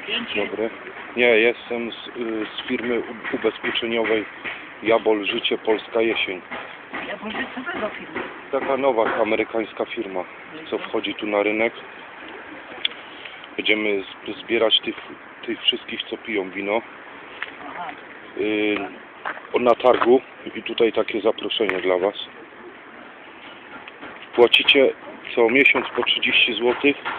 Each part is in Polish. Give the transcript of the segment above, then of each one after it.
Dobry. Nie, jestem z firmy ubezpieczeniowej Jabol Życie Polska Jesień. Jabol Życie, co to za firma? Taka nowa amerykańska firma, co wchodzi tu na rynek. Będziemy zbierać tych wszystkich, co piją wino na targu i tutaj takie zaproszenie dla Was. Płacicie co miesiąc po 30 zł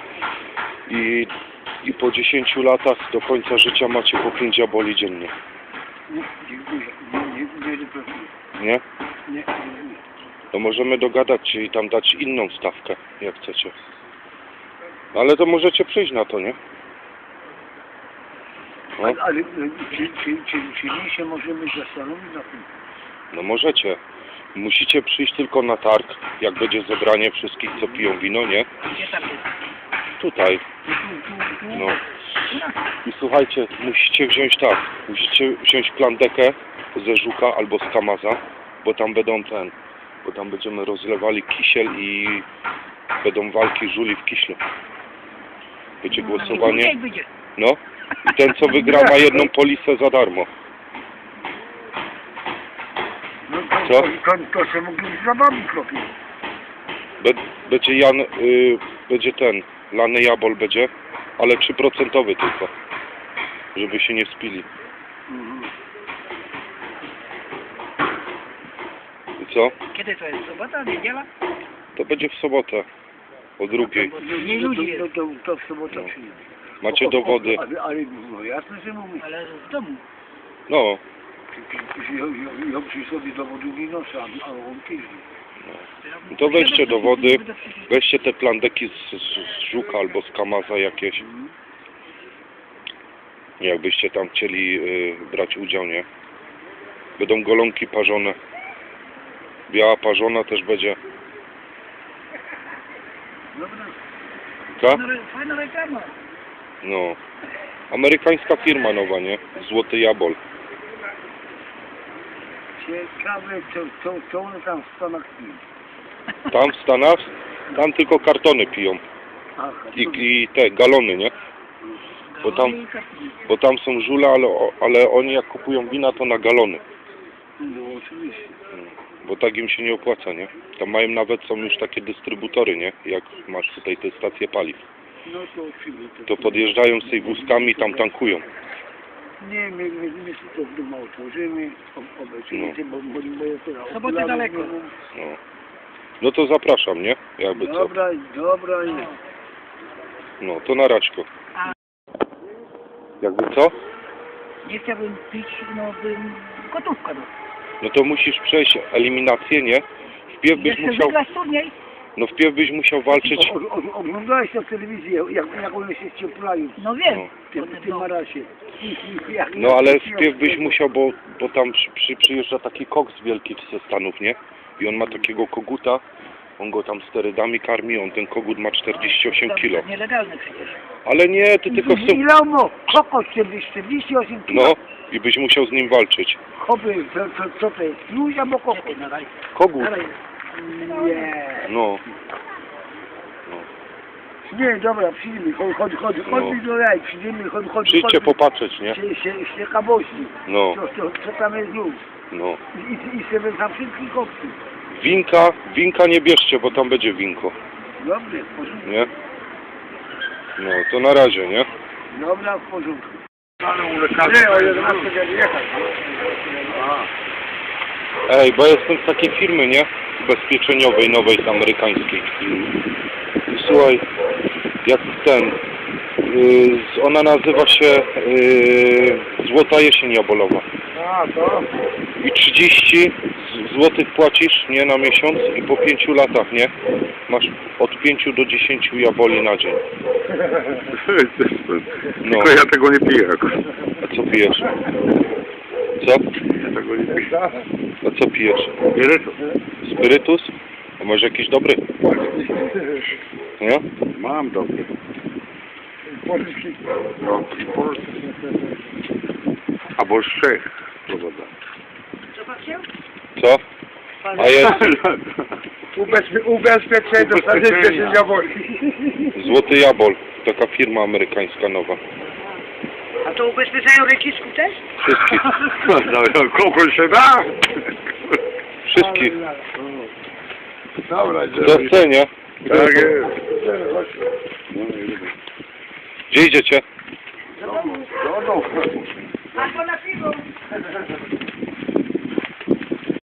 i po 10 latach do końca życia macie po 5 jaboli dziennie. Nie, dziękuję. Nie. Nie? Nie. To możemy dogadać się i tam dać inną stawkę, jak chcecie. Ale to możecie przyjść na to, nie? No, Ale czyli się możemy zastanowić na tym? no możecie. Musicie przyjść tylko na targ, jak będzie zebranie wszystkich, co piją wino, nie? Gdzie tam jest? Tutaj. No. I słuchajcie, musicie wziąć plandekę ze Żuka albo z Kamaza, bo tam bo tam będziemy rozlewali kisiel i będą walki żuli w kiślu. Będzie głosowanie. No. I ten, co wygra, ma jedną polisę za darmo. No Co? To się mógł z zabawą kropić. Będzie będzie lany jabol będzie, ale 3% tylko, żeby się nie spili. I co? Kiedy to jest? Sobota, niedziela? To będzie w sobotę, o 2:00. Nie ludzi. To w sobotę przyjdzie. Macie dowody. Ale no jasne, że mówię. Ale w domu. No. Ja przy sobie dowodów nie noszę, a on piździ. No to weźcie dowody, weźcie te plandeki z Żuka albo z Kamaza jakieś. Jakbyście tam chcieli brać udział, nie? Będą golonki parzone. Biała parzona też będzie. Dobra. Tak? Fajna reklama. No. Amerykańska firma nowa, nie? Złoty Jabol. Ciekawe, co one tam w Stanach piją. Tam w Stanach, tam tylko kartony piją. Aha, I te galony, nie? Bo tam są żule, ale oni jak kupują wina, to na galony. No oczywiście. Bo tak im się nie opłaca, nie? Tam są już takie dystrybutory, nie? Jak masz tutaj te stacje paliw. No to oczywiście. To podjeżdżają z tej wózkami i tam tankują. Nie, my to w domu otworzymy, obejrzymy, bo jest to... Soboty daleko. No. No to zapraszam, nie? Jakby co. Dobra jest. No, to na raćko. Jakby co? Nie chciałbym pić, no bym gotówkę. No to musisz przejść eliminację, nie? Wpierw byś musiał... wygrać turniej? No wpierw byś musiał walczyć... Oglądałeś to w telewizji, jak one się ścieplają. No wiem. No. W tym marasie. No ale wpierw byś musiał, bo tam przyjeżdża taki koks wielki ze Stanów, nie? I on ma takiego koguta, on go tam sterydami karmi, ten kogut ma 48 kilo. To nielegalne przecież. Ale nie, ty tylko chcesz... Ile on ma? Kokos 48 kilo. No, i byś musiał z nim walczyć. Hopy, co to jest? Luź albo kokos? Kogut. Nie. No. Nie, dobra, przyjdziemy, chodź mi do jaj, przyjdziemy, chodź. Przyjdźcie popatrzeć, nie? Się kabości. No. Co tam jest już? No. I sobie tam wszystkich koksy. Winka nie bierzcie, bo tam będzie winko. Dobrze, w porządku. Nie? No, to na razie, nie? Dobra, w porządku. Nie, o 11 będziemy jechać. Ej, bo jestem z takiej firmy, nie? Ubezpieczeniowej, nowej, amerykańskiej. I słuchaj, jak ona nazywa się Złota Jesień Jabolowa. A, to? I 30 złotych płacisz, nie, na miesiąc i po 5 latach, nie? Masz od 5 do 10 jaboli na dzień. No. Tylko ja tego nie piję akurat. A co pijesz? Co? Ja tego nie piję. A co pijesz? Spirytus. Spirytus? A może jakiś dobry? Nie? Mam dobry. Polski. No, i Polski. Albo z Czech. Powoda. Co? A jest Ubezpieczenie dostaniecie się jaboli. Złoty Jabol. Taka firma amerykańska nowa. A to ubezpieczają recisku też? Wszystkich. No, kogoś się da? Wszystkich. Dobra, W scenie. Tak jest. No, Gdzie idziecie? no, no. A to na piwo.